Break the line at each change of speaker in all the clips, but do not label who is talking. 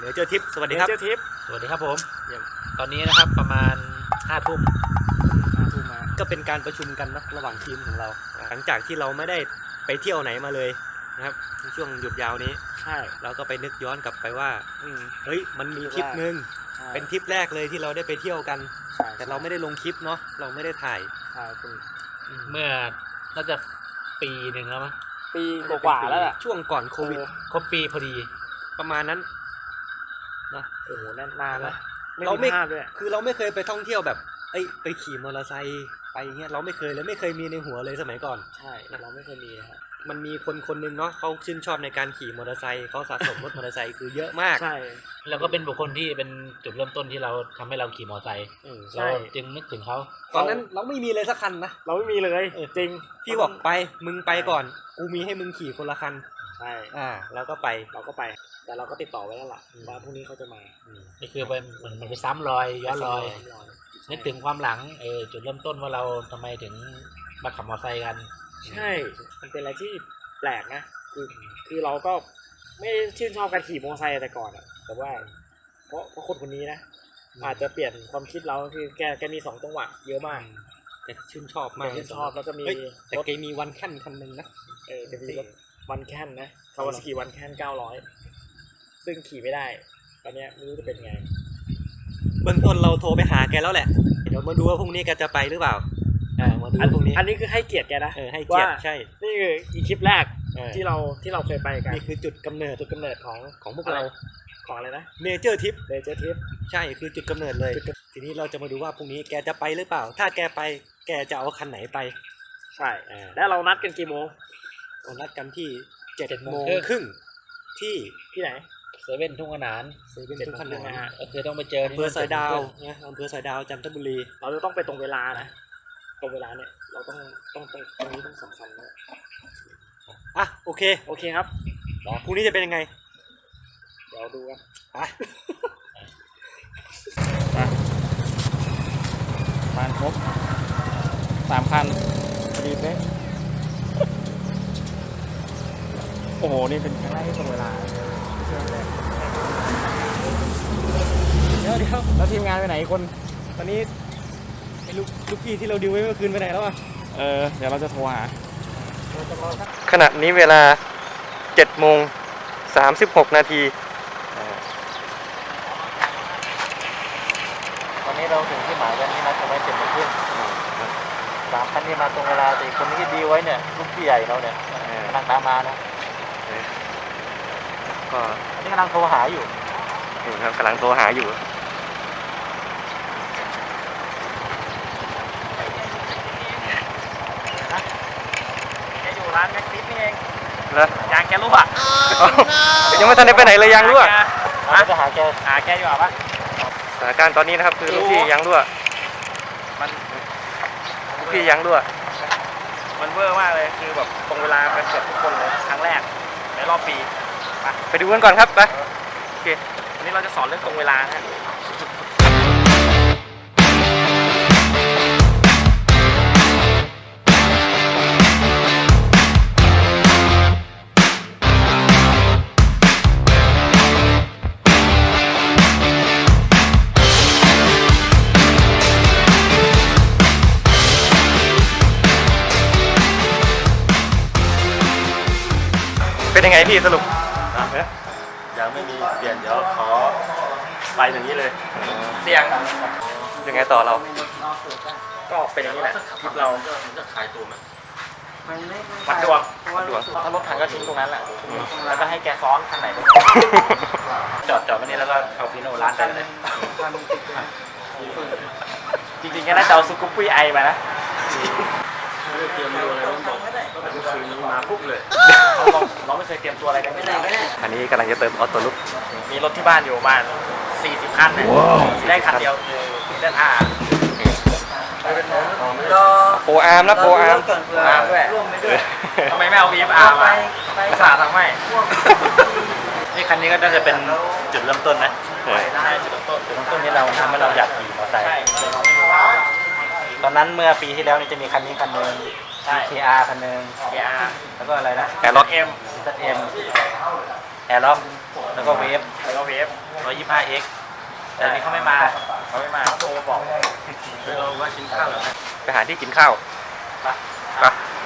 ดี๋ยวเจอทิปสวัสดีครับ
เจอทิป
สวัสดีครับผมตอนนี้นะครับประมาณ5 ทุ่ม
มาก็เป็นการประชุมกันนะระหว่างทีมของเราหลังจากที่เราไม่ได้ไปเที่ยวไหนมาเลยนะครับในช่วงหยุดยาวนี้
ใช่
เราก็ไปนึกย้อนกลับไปว่าเฮ้ยมันมีทริปนึงเป็นทริปแรกเลยที่เราได้ไปเที่ยวกันแต่เราไม่ได้ลงคลิปเนาะเราไม่ได้ถ่าย
เมื่อน่าจะปีหนึ่งแล้วมั้ง
ปีกว่าแล้ว
ช่วงก่อนโควิด
ครบปีพอดี
ประมาณนั้น
นะโอ้โหนานนะเราไม่
คือเราไม่เคยไปท่องเที่ยวแบบไปขี่มอเตอร์ไซค์ไปเงี้ยเราไม่เคยเลยไม่เคยมีในหัวเลยสมัยก่อน
ใช่เราไม่เคยมีครับ
มันมีคนนึงเนาะเขาชื่นชอบในการขี่มอเตอร์ไซค์เขาสะสมรถมอเตอร์ไซค์คือเยอะมาก
ใช่
แล้วก็เป็นบุคคลที่เป็นจุดเริ่มต้นที่เราทำให้เราขี่มอเตอร์ไซค์เราจึงนึกถึงเขา
ตอนนั้นเราไม่มีเลยสักคันนะ
เราไม่มีเลยจริง
พี่บอกไปมึงไปก่อนกูมีให้มึงขี่คนละคัน
ใช่
แล้วก็ไป
แต่เราก็ติดต่อไว้แล้วล่ะว่าพรุ่งนี้เขาจะมา
นี่คือมันไปซ้ำรอยย้อนรอยนึกถึงความหลังจุดเริ่มต้นว่าเราทำไมถึงมาขับมอเตอร์ไซค์กัน
ใช่มันเป็นอะไรที่แปลกนะคือเราก็ไม่ชื่นชอบการขี่มอเตอร์ไซค์แต่ก่อนแต่ว่าเพราะคนนี้นะอาจจะเปลี่ยนความคิดเราคือแกมี2 จังหวะเยอะมาก
แต่ชื่นชอบมาก
ชื่นชอบแล้วก็มี
แต่แกมีวันแค่นคันนึงนะ
จะมีรถวันแค่นนะคาวาซากิวันแค่น900ซึ่งขี่ไม่ได้ตอนนี้ไม่รู้จะเป็นไง
เบื้องต้นเราโทรไปหาแกแล้วแหละเดี๋ยวมาดูว่าพรุ่งนี้แกจะไปหรือเปล่ามาดูพรุ่งนี้
อันนี้คือให้เกียรติแกนะ
ให้เกียรติใช่
นี่คืออีคลิปแรกที่เราเคยไปกัน
นี่คือจุดกำเนิดของพวกเรา
ของอะไรนะ
เมเจอร์ทริปใช่คือจุดกำเนิดเลยทีนี้เราจะมาดูว่าพรุ่งนี้แกจะไปหรือเปล่าถ้าแกไปแกจะเอาคันไหนไป
ใช่แล้วเรานัดกันกี่โมง
เรานัดกันที่7:30 น.ที่ไหน
เซเว่นทุ่งขนาน
ทุ่งขนาน
ก็คือต้องไปเจอ
อำเภอสอยดาวนะอำเภอสอยดาวจันทบุรี
เราจะต้องไปตรงเวลานะตรงเวลาเนี่ยเราต้องตรงนี้ต้องสำคัญนะ
โอเค
ครับ
พรุ่งนี้จะเป็นยังไง
เดี๋ยวดูกัน
มาครบ3 คัน
ดีไหมโอ้โหนี่เป็นครั้งแรกที่ตรงเวลาเดี๋ยวแล้วทีมงานไปไหนคน
ตอนนี้ไอ้ลูกพี่ที่เราดิวไว้เมื่อคืนไปไหนแล้ว
เดี๋ยวเราจะโทรหา
ขณะนี้เวลา7:36 น.
ตอนนี้เราถึงที่หมายกันนี่นะทำไม7:30 น. 3 คันนี้มาตรงเวลาแต่คนที่ดีไว้เนี่ยลูกพี่ใหญ่เราเนี่ยกำลังตามมานะ
ก็
อันนี้กำลังโทรหาอยู่
ครับกำลังโทรหาอยู่
แกอยู่ร้านแม็กซิสนี่เอง
เหร
อยางแกรั่ว
ยังไม่ทันได้ไปไหนเลยยางรั่ว
จะหา
แกอยู่ป่ะ
สถานการณ์ตอนนี้นะครับคือลูกพี่ยางรั่วลูกพี่ยางรั่ว
มันเวอร์มากเลยคือแบบตรงเวลาเป็นเกือบทุกคนเลยครั้งแรกในรอบปี
ไปดูกันก่อนครับไปโอเค
วันนี้เราจะสอนเรื่องตรงเวลาฮะ
เป็นยังไงพี่สรุป
ยังไม่มีเปลี่ยนเดี๋ยวขอไปอย่างนี้เลย
เสี่ยง
ยังไงต่อเรา
ก็เป็นอย่างนี้แหละคลิปเรา
จะขายตัวไหม
วัดดวงถ้ารถถังก็ทิ้งตรงนั้นแหละแล้วก็ให้แกซ้อนคันไหนจอดวันนี้แล้วก็เอาฟิโน่ร้านไปเลยจริงๆแกน่าจะเอาซุกุปปี้ไอมานะ
ไม่ได้เตรียมตัวอะไรต้องบอกคืนนี้มาปุ๊บเลย
เราไม่เคยเตรียมตัวอะไรกันไม่ได้
อันนี้กำลังจะเติมออโต้ลุก
มีรถที่บ้านอยู่ประมาณ40 คันเนี่ยได้คันเดียวคือได้
โปรอาร์มนะโปรอาร์ม
ด้วยทำไมไม่เอา VFR มาภาษาทำไม
นี่คันนี้ก็น่าจะเป็นจุดเริ่มต้นนะ
ใช่จุดเริ่
มต้นนี้เราทำให้เราอยากขี่มอเตอร์ไซค์ตอนนั้นเมื่อปีที่แล้วนี่จะมีคันนี้คันนึงKR คันนึง
KR
แล้วก็อะไรนะ
แอร์ล็อก
M
แอร์ล็อกแล้วก็เวฟ 125X แต่อันนี้เขาไม่มาเขาโทรมาบอกเราว่ากินข้าวแล้ว
ไปหาที่กินข้าวไป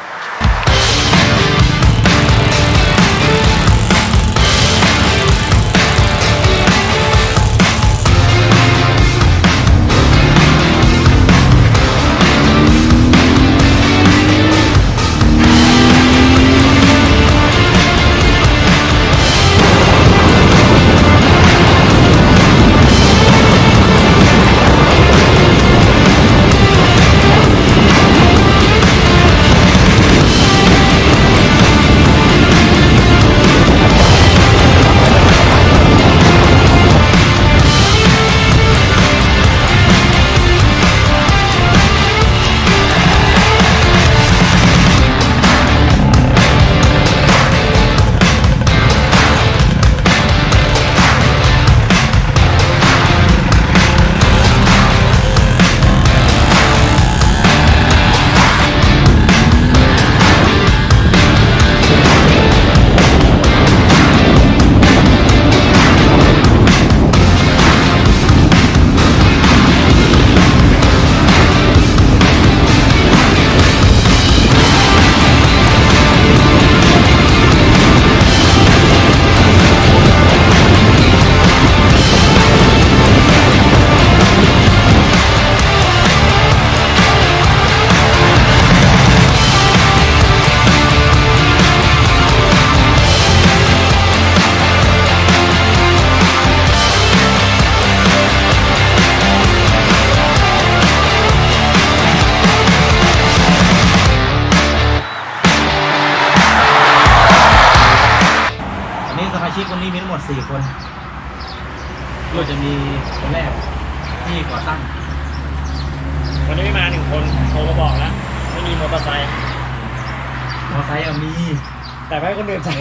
ชิกวันนี้มีทั้งหมด4 คนก็จะมีคนแรกที่ก่อตั้ง
วันนี้ไม่มา1 คนโทรมาบอกแล้วไม่มีมอเตอร์ไซค์
มอเตอร์ไซค์มี
แต่ไม่ให้คนอื่นใส่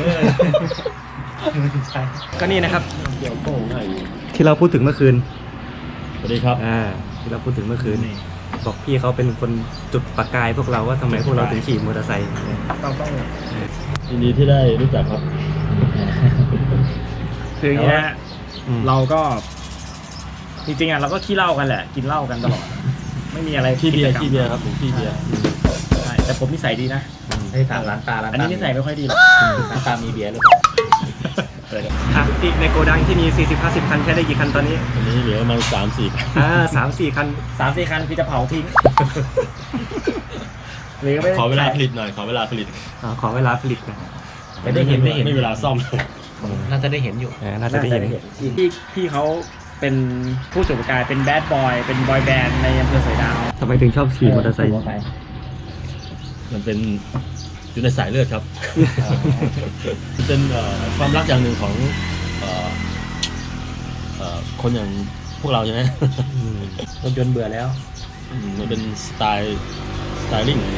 ก็นี่นะครับ
เกี่ยวโป้งให้
ที่เราพูดถึงเมื่อคืน
สวัสดีครับ
ที่เราพูดถึงเมื่อคืนบอกพี่เขาเป็นคนจุดประกายพวกเราว่าทำไมพวกเราถึงขี่มอเตอร์ไซค์
ต้อง
ยินดีที่ได้รู้จักครับ
คืออย่างเงี้ยเราก็จริงๆเราก็ขี้เหล้ากันแหละกินเหล้ากันตลอดไม่มีอะไร
ขี้เบียร์ครับผมขี้เบียร์
ใช่แต่ผมนิสัยดีนะ
ให้ถามร้านตา
อันนี้นิสัยไม่ค่อยดีหรอก
ร้านตามีเบียร์หรือเปล่า
ที่ในโกดังที่มี 40-50 คันใช้ได้กี่คันตอนนี้
ตอนนี้เหลือประมาณ3-4
3-4 คัน
3-4 คันพี่จะเผาทิ้งหรือไม่
ขอเวลาผลิตหน่อยขอเวลาผลิต
ขอเวลาผลิตนะ
ไม่มีเวลาซ่อม
น่าจะได้เห็นอยู่น่าจะได้เห็น
พี่เขาเป็นผู้จุดประกายเป็นแบดบอยเป็นบอยแบนด์ในอำเภอสอยดาว
ทำไมถึงชอบขี่มอเตอร์ไซค์
มันเป็นอยู่ในสายเลือดครับ เป็นความรักอย่างหนึ่งของคนอย่างพวกเราใช่ไหม
รถยนต์เบื่อแล้ว
มันเป็นสไตลิ่ง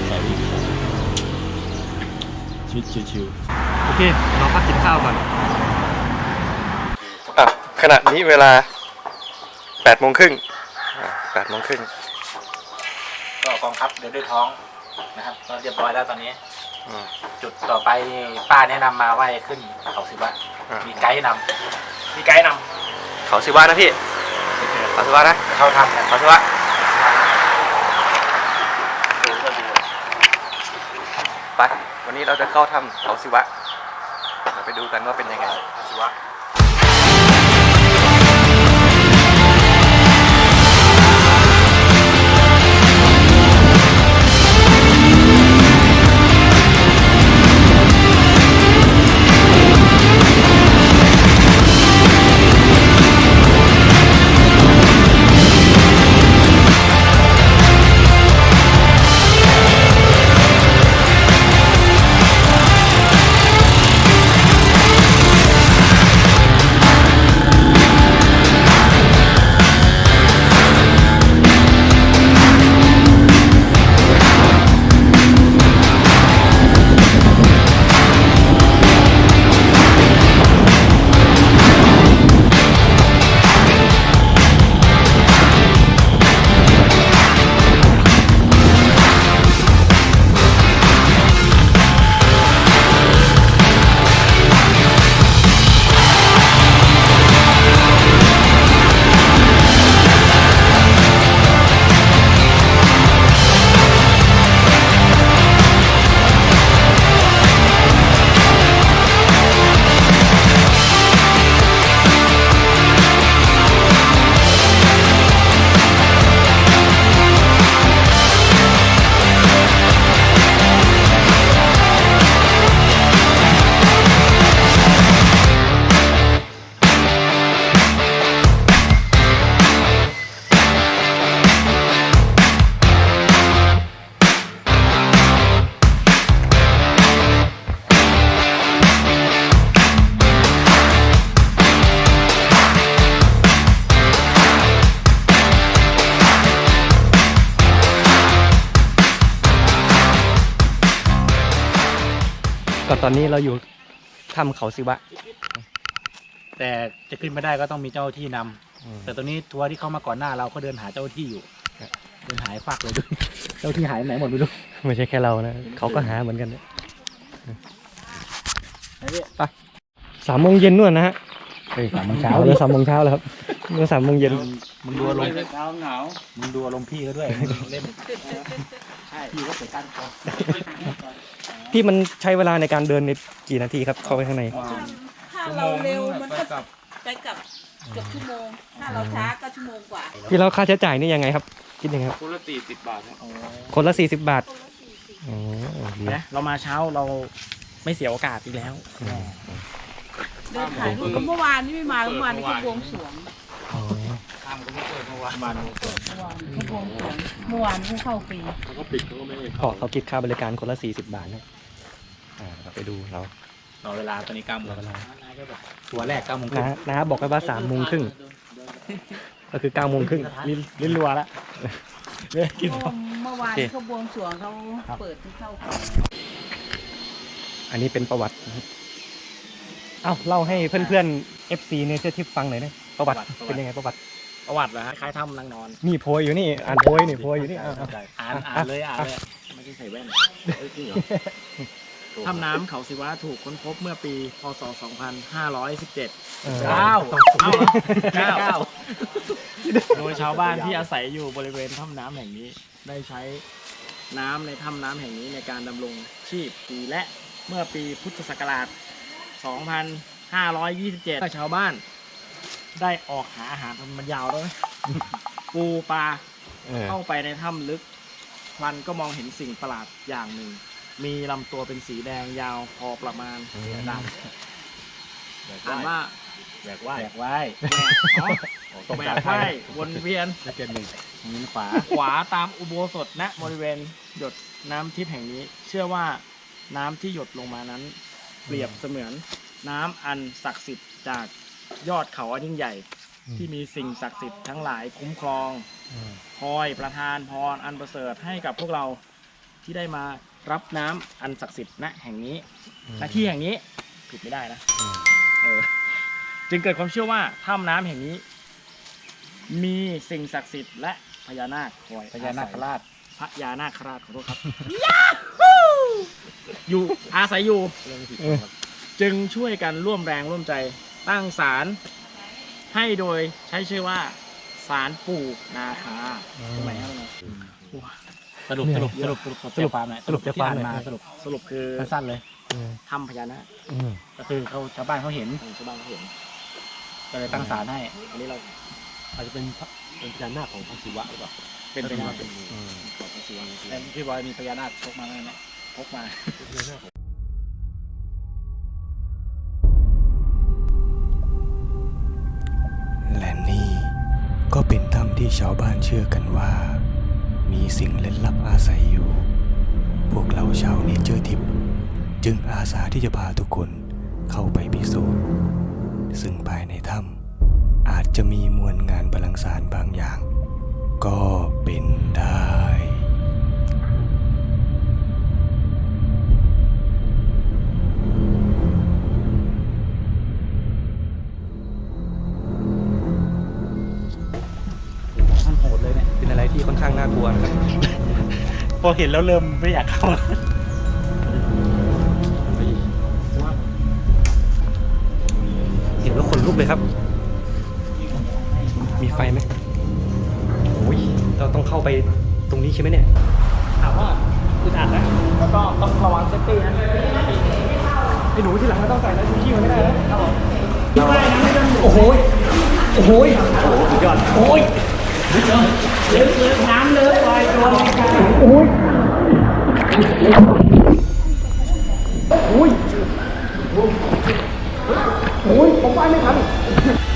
ชีวิตชิว
โอเคเราพักกินข้าวก่อนขณะนี้เวลา 8:30 8:30
ก็กองทัพเดินด้วยท้องนะครับก็เรียบร้อยแล้วตอนนี้จุดต่อไปนี่ป้าแนะนำมาว่าขึ้นเขาศิวะมีไกด์นำ
เขาสิวะนะพี่เขาสิวะนะ
เขาทำกัน
เขาสิวะไปวันนี้เราจะเข้าถ้ำเขาสิวะเราไปดูกันว่าเป็นยังไง
เขาศิวะ
ตอนนี้เราอยู่ถ้ำเขาศิวะ
แต่จะขึ้นไม่ได้ก็ต้องมีเจ้าที่นำแต่ตอนนี้ทัวร์ที่เข้ามาก่อนหน้าเราก็เดินหาเจ้าที่อยู่เดินหายฟักเลยด้วยเจ้าที่หายไปไหนหมดไม่รู้
ไม่ใช่แค่เรานะเขาก็หาเหมือนกันนะไป3 โมงเย็นนู่นนะฮะ
เฮ้ย3 โมงเช้า
เรือ3 โมงเช้าแล้วครับเรือ3 โมงเย็น
มึงดูอารมณ์
เช้าหนาว
มึงดูอารมณ์พี่เขาด้วยเล่นใช่พี่ก็เปิดกั้นคอ
พี่มันใช้เวลาในการเดินในกี่นาทีครับเข้าไปข้างใน
ถ้าเราเร็วมันก็ไปกับเกือบชั่วโมง ถ้าเราช้าก็ชั่วโมงกว่า
พี่แล้วค่าใช้จ่ายนี่ยังไงครับคิดยังไงครับ
คนละ40 บาท
คนละ40 บาทอ๋อดี
นะเรามาเช้าเราไม่เสียโอกาสอีกแล้ว
เดินถ่ายรูปเมื่อวานนี่ไม่มาเมื่อวานนี่เขาบวงสรวง
อ๋อ
ข้ามก็ไม่เปิดเมื่อวาน
เมื่อวานเขาบวงสรวงเมื่อวานเขาเข้าฟรี
เขาก็ปิดเขาก็ไม่ได้
เขาคิดค่าบริการคนละ40 บาทนะเราไปดูเรา
รอเวลาตอนนี้9 โมง
เราเวลา
ตัวแรก9 โมงครึ่ง
นะบอกไว้ว่า3 โมงครึ่งก็คือ9 โมงครึ่ง
ลิ้นรัวแล้วกิน
เมื่อวานเขาบวงสรวงเขาเปิดที่เข้าฟรี
อันนี้เป็นประวัตินะครับเอ้าเล่าให้เพื่อนๆ FC เนเจอร์ทิปฟังหน่อยนะประวัติเป็นยังไงประวัติ
ประวัติเหรอฮะคล้ายถ้ำนางนอน
นี่โพยอยู่นี่อ่านโพยนี่โพยอยู่นี่อ่ะ
อ่านเลยไม่ได้ใส่แว่นจริงเหรอถ้ำน้ำเขาศิวะถูกค้นพบเมื่อปีพศ 2517 โดยชาวบ้านที่อาศัยอยู่บริเวณถ้ำน้ำแห่งนี้ ได้ใช้น้ำในถ้ำน้ำแห่งนี้ในการดำรงชีพปีและเมื่อปีพุทธศักราช 2527 ชาวบ้านได้ออกหาอาหารมันยาวด้วย ปูปลาเข้าไปในถ้ำลึกพลันก็มองเห็นสิ่งประหลาดอย่างหนึ่ง มีลำตัวเป็นสีแดงยาวพอประมาณดำอ่านว่า
แหวกว่าย
แบกไว้แบกไว้วนเวียน
แล้วเกมหนึ่งมือขวา
ขวาตามอุโบสถณบริเวณหยดน้ำทิพย์แห่งนี้ เชื่อว่าน้ำที่หยดลงมานั้น เปรียบเสมือนน้ำอันศักดิ์สิทธิ์จากยอดเขาอันยิ่งใหญ่ ที่มีสิ่งศักดิ์สิทธิ์ทั้งหลายคุ้มครองคอยประทานพรอันประเสริฐให้กับพวกเราที่ได้มารับน้ำอันศักดิ์สิทธิ์ณแห่งนี้ณที่แห่งนี้ผิดไม่ได้นะจึงเกิดความเชื่อว่าถ้ำน้ำแห่งนี้ มีสิ่งศักดิ์สิทธิ์และพญานาคคอย
พญานาคราช
พญานาคราชขอโทษครับ อยู่อาศัยอยู่ จึงช่วยกันร่วมแรงร่วมใจตั้งศาลให้โดยใช้ชื่อว่าศาลปู่นาคาทำไมครับ
สรุปความหน่อย
สรุปใจความหน่อย
มาสรุป
คือ
สั้นๆเลย
ถ้ำพญานาค
ก็คือชาวบ้านเขาเห็น
ชาวบ้านเขาเห็น
ก็เลยตั้งศาลให้
อันนี้เรา
อาจจะเป็นพญานาคของพระศิวะหรือเปล่า
เป็นไปได้
เป็น
ของพระศิวะ
แล้วพี่บอยมีพญานาคพกมาไหมพกมา
และนี่ก็เป็นถ้ำที่ชาวบ้านเชื่อกันว่า มีสิ่งลึกลับอาศัยอยู่ พวกเราชาวเนเจอร์ทิปจึงอาสาที่จะพาทุกคนเข้าไปพิสูจน์ซึ่งภายในถ้ำอาจจะมีมวลงานบาลังก์สารบางอย่าง ก็เป็นได้
ท่านโหดเลยเนี่ย
เป็นอะไรที่ค่อนข้างน่ากลัวนะครับ
พอเห็นแล้วเริ่มไม่อยากเข้า
เห็นแล้วขนลุกเลยครับ มีไฟไหมโอ้ยเราต้องเข้าไปตรงนี้ใช่ไหมเนี่ย
ถามว่าอึดอัดนะแล้วก็ต้องระวังเซฟตี้นะไอ้หนูที่หลังไม่ต้องใส่แล้วชูชีพมันไม่ได้นะครับผมโอ้โหโอ้โหสุดยอดโอ้ยเลิกน้ำเลิกลอยตัวโอ้ยโอ้ยโอ้ยผมไปไม่ทัน